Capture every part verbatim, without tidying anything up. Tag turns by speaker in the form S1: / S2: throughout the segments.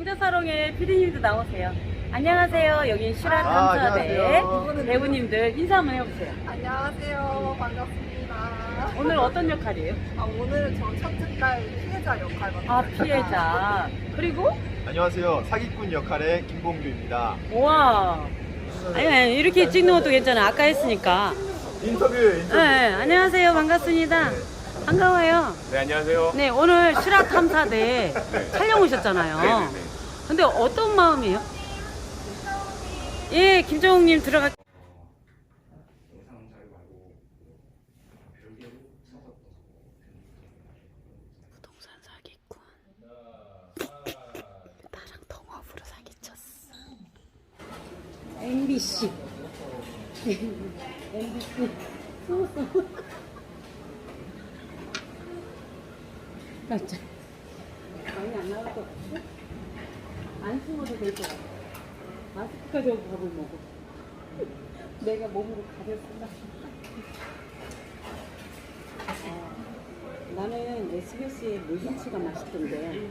S1: 왕자사롱의 피디님도 나오세요. 안녕하세요. 여긴 실화탐사대
S2: 아,
S1: 배우님들 인사 한번 해보세요.
S2: 안녕하세요. 반갑습니다.
S1: 오늘 어떤 역할이에요?
S2: 아, 오늘은 저 첫째딸 피해자 역할 맡았어요.
S1: 아, 피해자. 그리고
S3: 안녕하세요. 사기꾼 역할의 김봉규입니다.
S1: 우와. 아니, 아니 이렇게 찍는 것도 괜찮아. 아까 했으니까.
S3: 인터뷰, 인터뷰.
S1: 네, 안녕하세요. 반갑습니다. 반가워요.
S3: 네, 안녕하세요.
S1: 네, 오늘 실화탐사대 촬영 오셨잖아요.
S3: 네네네.
S1: 근데 어떤 마음이에요? 예, 김정욱님 들어가. 부동산 사기꾼. 나랑 동업으로 사기쳤어. 엠비씨. 엠비씨. 숨었어. 깜짝. 많이 안 나올 것 같아? 안 숨어도 될 것 같아. 마스크까지 하고 밥을 먹어. 내가 몸으로 가렸구나. 아, 나는 에스비에스의 물김치가 맛있던데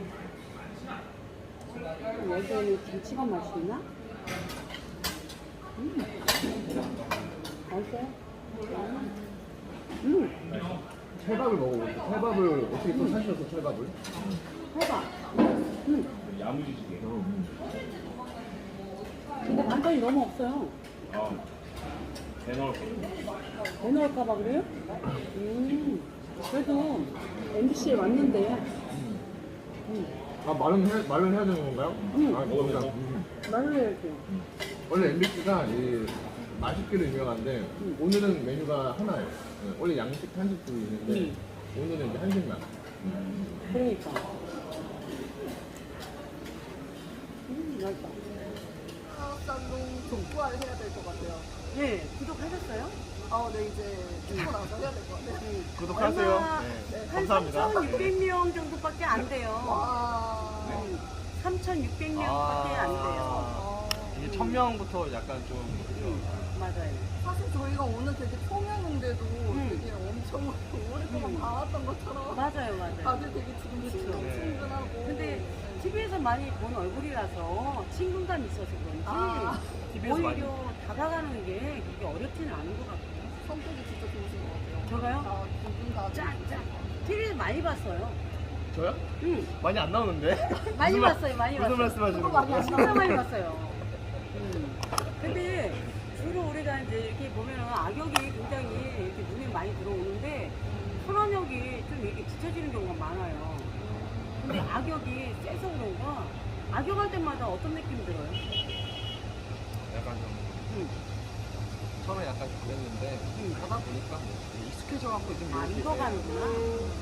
S1: 여기에는 김치가 맛있나? 음. 맛있어요? 음.
S4: 찰밥을 먹어보세요. 찰밥을 어떻게 또 사셔서 찰밥을?
S1: 해봐. 음.
S4: 야무지시게.
S1: 근데 반찬이 너무 없어요.
S4: 아, 대넣을
S1: 왜 넣을까봐 그래요? 음. 그래도 엠비씨에 왔는데. 음.
S4: 아, 말은 해, 말은 해야 되는 건가요?
S1: 응.
S4: 아, 먹습니다. 음.
S1: 말을 해야지.
S4: 원래 엠비씨가 이 맛있기로 유명한데
S1: 음.
S4: 오늘은 메뉴가 하나예요. 네, 원래 양식, 한식도 있는데
S1: 음.
S4: 오늘은 이제 한식만.
S1: 그러니까. 음, 맛있다.
S2: 사업장동 족구화를 해야 될 것 같아요.
S1: 네, 구독하셨어요?
S2: 아, 네, 이제 찍고 나서 해야 될 것 같아요.
S1: 네.
S3: 구독하세요.
S1: 얼마,
S3: 네,
S1: 한
S3: 감사합니다.
S1: 삼천육백 명 정도밖에 안 돼요.
S2: 와.
S1: 음, 삼천육백 명밖에 안 돼요.
S2: 아.
S3: 이게 천 명부터 약간 좀
S1: 음, 맞아요.
S2: 사실 저희가 오늘 되게 초면인데도 되게 엄청 오랫동안
S1: 음.
S2: 봐왔던 것처럼
S1: 맞아요, 맞아요.
S2: 다들 되게 지금
S1: 그쵸.
S2: 친근친근하고.
S1: 근데 티비에서 많이 본 얼굴이라서 친근감이 있어서 그런지
S2: 아,
S3: 티비에서 많이.
S1: 오히려 다가가는 게 그렇게 어렵지는 않은 것 같아요.
S2: 성격이 진짜 좋으신 것 같아요.
S1: 저가요?
S2: 아, 두분 다.
S1: 짝, 짝. 티비에서 많이 봤어요.
S3: 저요?
S1: 응.
S3: 많이 안 나오는데?
S1: 많이
S3: 무슨 말-
S1: 봤어요, 많이
S3: 무슨
S1: 봤어요.
S3: 말씀하시는
S2: 그거 많이
S3: 거예요?
S2: 안
S1: 진짜 많이 봤어요. 음. 근데 주로 우리가 이제 이렇게 보면은 악역이 굉장히 이렇게 눈에 많이 들어오는데 선언역이 좀 이렇게 뒤처지는 경우가 많아요. 근데 악역이 세서 그런가 악역할 때마다 어떤 느낌이 들어요?
S3: 약간 좀
S1: 응.
S3: 처음에 약간 그랬는데
S1: 응.
S3: 하다 보니까 뭐 익숙해져갖고 좀
S1: 아,
S3: 이렇게
S1: 익어가는구나. 음.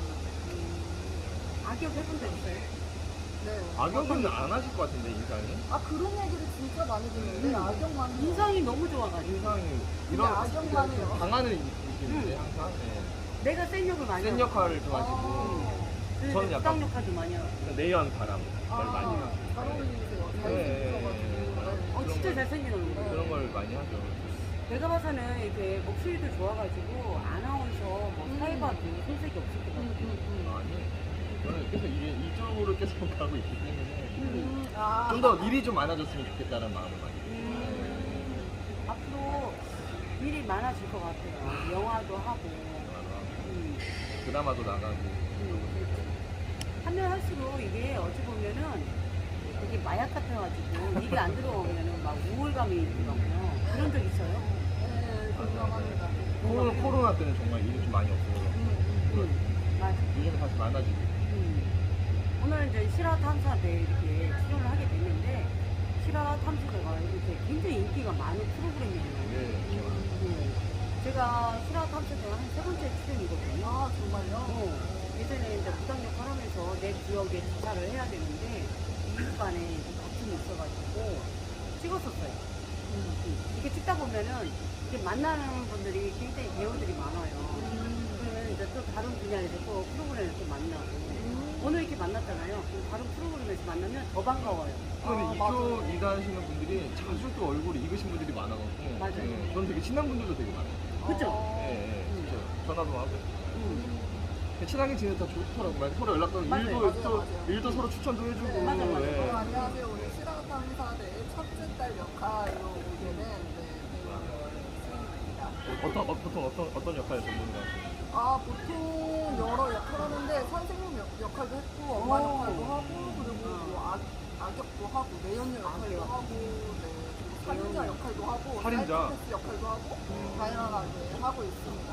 S1: 악역 해본 적 있어요?
S2: 네.
S3: 악역은 안 하실 것 같은데 인상이?
S2: 아, 그런 얘기를 진짜 많이 듣는데,
S1: 음.
S2: 악역만. 해요.
S1: 인상이 너무 좋아가지고
S3: 인상이
S2: 근데
S3: 이런
S2: 악역만 해요.
S3: 강하는 느낌인데
S1: 응.
S3: 항상 네.
S1: 내가 센 역을 많이
S3: 센
S1: 하고.
S3: 역할을 좋아하시고
S2: 아.
S1: 그래서
S3: 저는 약간-
S1: 부당 역할도 많이 하고.
S3: 내연 바람
S2: 아,
S3: 걸 많이 하고
S2: 잘 어울리세요.
S3: 네.
S2: 잘생기셔가지고.
S1: 어, 진짜 잘생긴 얼굴.
S3: 그런 걸 많이 하죠.
S1: 내가 봐서는 이렇게 목소리도 좋아가지고 아나운서 뭐
S2: 음.
S1: 사회봐도 손색이 없을 것 같아.
S2: 음, 음, 음.
S3: 아니 저는 계속 이게 이쪽으로 계속 가고 있기 때문에
S2: 음, 아.
S3: 좀 더 일이 좀 많아졌으면 좋겠다는 마음을 많이 해요.
S1: 음, 앞으로 일이 많아질 것 같아요. 영화도 하고. 음,
S3: 드라마도 나가고
S1: 음. 하면 할수록 이게 어찌 보면은 되게 마약 같아가지고 일이 안 들어오면은 막 우울감이 들더라고요. 그런 적 있어요?
S2: 네, 공감합니다.
S3: 코로나, 코로나 때는 정말 일이 좀 많이 없어서
S1: 음, 맞아.
S3: 요즘에 다시 많아지고
S1: 음. 오늘 이제 실화탐사대 이렇게 출연을 하게 됐는데 실화탐사대가 이렇게 굉장히 인기가 많은 프로그램이에요.
S3: 네,
S1: 네. 제가 실화탐사대 한 세 번째 출연이거든요.
S2: 아, 정말요?
S1: 어, 예전에 이제 부당 역할 하면서 내 구역에 조사를 해야 되는데 이웃 간에 다툼이 있어가지고 찍었었어요. 음. 이렇게 찍다 보면은 이렇게 만나는 분들이 굉장히 배우들이 많아요. 그러면 이제 또 다른 분야에서 또 프로그램에서 또 만나고 오늘 이렇게 만났잖아요. 그럼 다른 프로그램에서 만나면 더 반가워요.
S3: 근데
S2: 아,
S3: 이쪽
S2: 맞아요.
S3: 일하시는 분들이 자주 또 얼굴이 익으신 분들이 많아갖고
S1: 맞아요.
S3: 네, 저는 되게 친한 분들도 되게 많아요.
S1: 그죠?
S2: 어.
S3: 네, 네, 진짜 전화도 하고
S1: 음.
S3: 친하게 지내다 좋더라고요. 서로 연락 끊고
S1: 맞아요.
S3: 일도
S2: 맞아요,
S3: 또
S2: 맞아요.
S3: 일도 서로 추천도 해주고.
S2: 네.
S1: 맞아, 맞아.
S3: 네.
S2: 어, 안녕하세요. 우리 실화탐사대 첫째 딸 역할로 오게 된 네, 배우 수인입니다.
S3: 어떤 어, 보통 어떤 어떤 역할을 전문가?
S2: 아 보통 여러 역할 하는데 선생님 역, 역할도 했고 엄마
S1: 오.
S2: 역할도 하고 그리고 뭐 악, 악역도 하고 내연녀 역할도
S1: 악역.
S2: 하고 네, 그리고 살인자 역할도 하고
S3: 살인자.
S2: 사이코패스 역할도 하고 다양하게 하고 있습니다.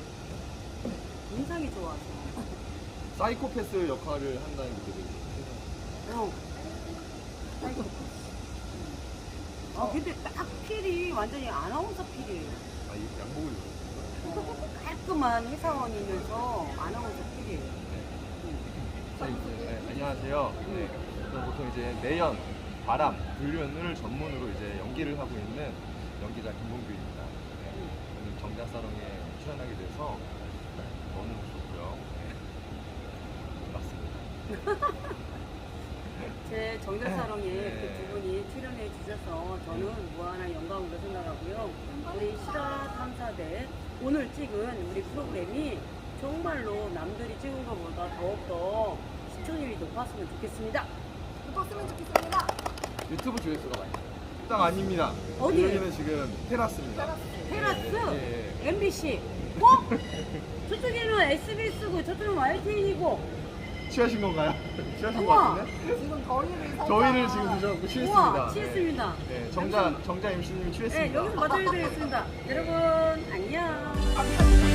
S1: 인상이 좋아서.
S3: 사이코패스 역할을 한다는 게 되게
S1: 어. 아이고. 아 근데 딱 필이 완전히 아나운서 필이에요.
S3: 아, 이 양복을 입었어요.
S1: 깔끔한 회사원이면서 아나운서 필이에요.
S3: 자, 이제, 네, 안녕하세요. 네, 저는 보통 이제 내연, 바람, 불륜을 전문으로 이제 연기를 하고 있는 연기자 김봉규입니다. 네, 오늘 정자사롱에 출연하게 돼서 너무 좋고요. 네, 반갑습니다.
S1: 제 정자사롱에
S3: 네.
S1: 그 두 분이 출연해 주셔서 저는 무한한 영광으로 생각하고요. 우리 실화탐사대 오늘 찍은 우리 프로그램이 정말로 남들이 찍은 것보다 더욱더 시청률이 높았으면 좋겠습니다.
S2: 붙었으면 좋겠습니다.
S3: 유튜브 조회수가 많이 나요. 식당 아닙니다.
S1: 어디?
S3: 여기는 지금 테라스입니다.
S2: 테라스.
S1: 테라스,
S3: 예, 예.
S1: 엠비씨, 어? 저쪽에는 에스비에스고 저쪽은 와이티엔이고
S3: 취하신 건가요? 취하신 것
S1: 우와.
S3: 같은데?
S2: 지금 더위를 살짝
S3: 저희를 지금 드셔갖고
S1: 우와,
S3: 취했습니다.
S1: 취했습니다.
S3: 네, 네, 정자, 정자 엠씨님이
S1: 네,
S3: 취했습니다.
S1: 여기서 마쳐드리겠습니다. 여러분, 안녕.
S2: 감사합니다.